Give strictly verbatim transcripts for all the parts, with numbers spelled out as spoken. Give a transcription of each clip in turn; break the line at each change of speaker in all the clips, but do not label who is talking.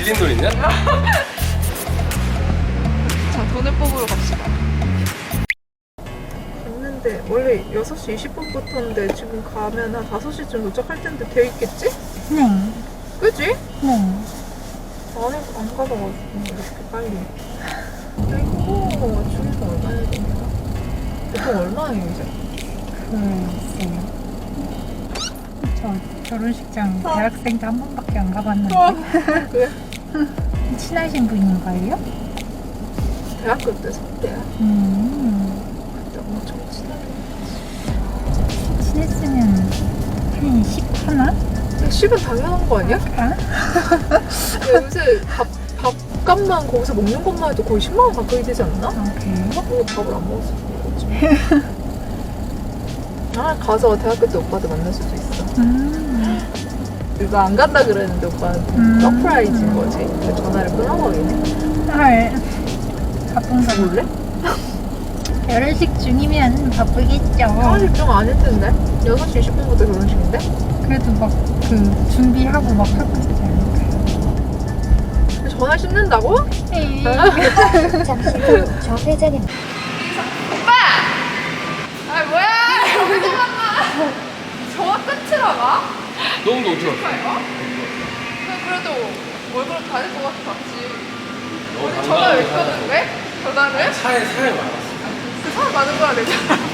빌린 돈 있냐?
자, 돈을 뽑으러 갑시다. 갔는데 원래 여섯 시 이십 분부터인데 지금 가면 한 다섯 시쯤 도착할 텐데 돼 있겠지?
네.
그지?
네.
안, 해, 안 가봐가지고 이렇게 빨리. 이거 중에서 얼마나 됩니까? 보통 얼마예요 이제?
글쎄요. 저 결혼식장 대학생 때 한 번밖에 안 가봤는데.
그래?
친하신 분인가요?
대학교 때 선배야.
음.
그때 엄청 친하게.
친했으면 한 십 하나?
십은 당연한 거 아니야?
아?
야, 요새 밥, 밥값만 거기서 먹는 것만 해도 거의 십만 원 가까이 되지 않나?
아, 그래요?
오늘 밥을 안 먹었어. 아, 가서 대학교 때 오빠들 만날 수도 있어.
음.
이거 안 간다 그랬는데 오빠한테
음.
서프라이즈인 거지. 근데 전화를 끊어버리네.
헐. 바쁜 거
몰래?
결혼식 중이면 바쁘겠죠.
결혼식 좀 아닐 텐데. 여섯 시 이십 분부터 결혼식인데?
그래도 막 그 준비하고 막 하고 있지 않을까요?
전화 씹는다고?
네.
잠시 후 좌회전입니다.
오빠! 아 뭐야! 여기서 만나! 전화 끊지라 가?
너무 어떻게 알았어?
그럴까요? 그래도 월급을 받을 것 같아 봤지.
너
우리 전화 왜 끊는 왜? 전화를?
차에 사람이 많았어.
그 사람 많은 거야 내가.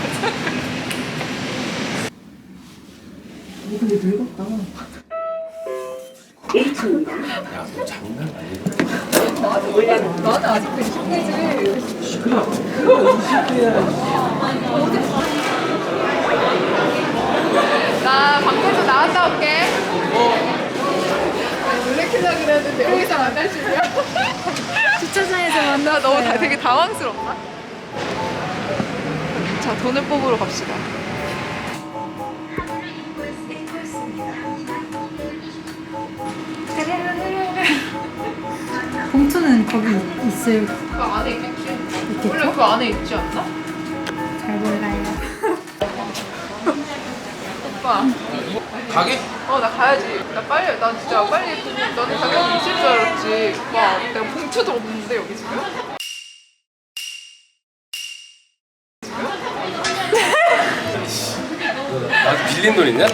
근데 늙었다.
야, 너 장난 아니야.
나는 원래 나는 아직도 이십 대지.
그럼 그거 이십 대야.
나 밖에서 나갔다 올게. 놀래키려 그랬는데 여기서 만날 줄이야?
주차장에서 만나.
나 너무 다, 되게 당황스럽다. 자, 돈을 뽑으러 갑시다.
봉투는 거기 있을
그 안에 있겠지?
있겠죠?
원래 그 안에 있지 않나?
잘 몰라요.
오빠.
가게?
어, 나 가야지. 나 빨리, 나 진짜 빨리 돈, 너는 당연히 있을 줄 알았지. 오빠, 내가 봉투도 없는데, 여기 지금?
나한테 빌린 돈 있냐?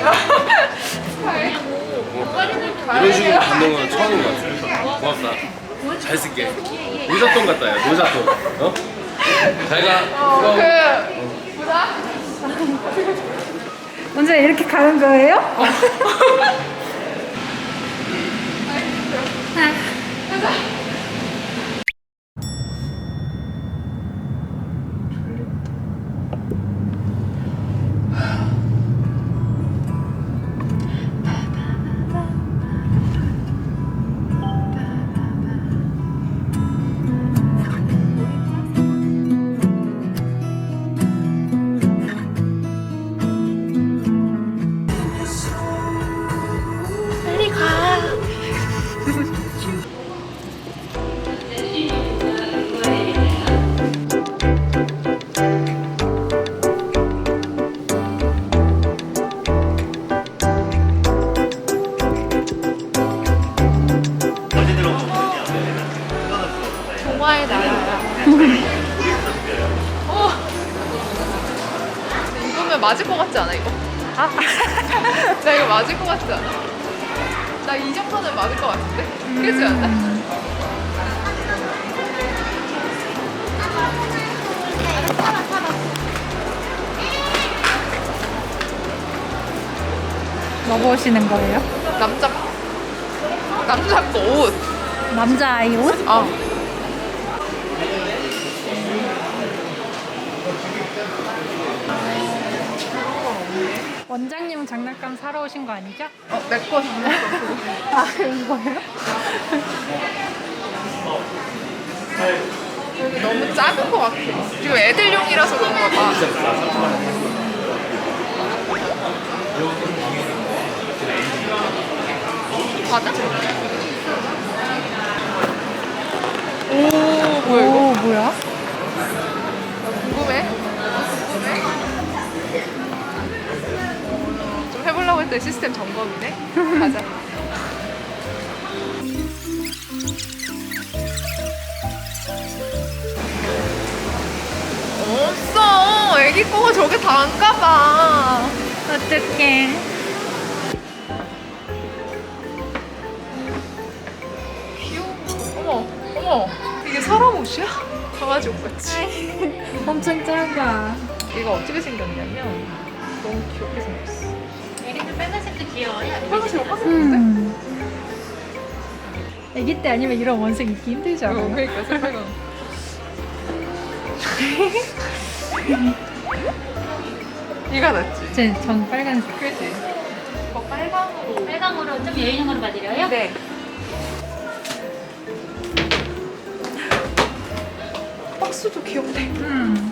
이런 식으로 받는 건 처음인 것 같아. 고맙다. 잘 쓸게. 노잣돈 같다, 야, 노잣돈. 어? 잘 가.
어, 그, 보자.
먼저 이렇게 가는 거예요?
빨리 가. 동화의 나라야. 어. 입으면 맞을 것 같지 않아 이거? 아, 나 이거 맞을 것 같지 않아? 나 이 정도는 맞을 것 같은데? 그렇지 않나?
뭐 보시는 거예요?
남자 남자 거 옷.
남자 아이 옷?
어.
원장님은 장난감 사러 오신 거 아니죠?
어, 내거 장난감 그거.
아, 이거요?
여기 너무 작은 것 같아. 지금 애들용이라서 그런가 봐. 받아? 오, 뭐야 이거?
오, 뭐야?
궁금해? 궁금해? 좀 해보려고 했더니 시스템 점검이네? 가자. 거가 저게 다인가 봐.
어떡해.
귀여워. 어머, 어머. 이게 사람 옷이야? 강아지 옷 같지?
엄청 작아.
얘가 어떻게 생겼냐면 너무 귀엽게 생겼어.
얘네들 빨간색도 귀여워요.
빨간색 화색인데?
음. 아기 때 아니면 이런 원색 입기 힘들지
어,
않아요?
그러니까 색깔은. 이가 낫지?
제, 전 빨간색.
그지? 어, 빨강으로.
빨강으로 좀 여인형으로 봐드려요?
네. 박스도 귀엽네.
음.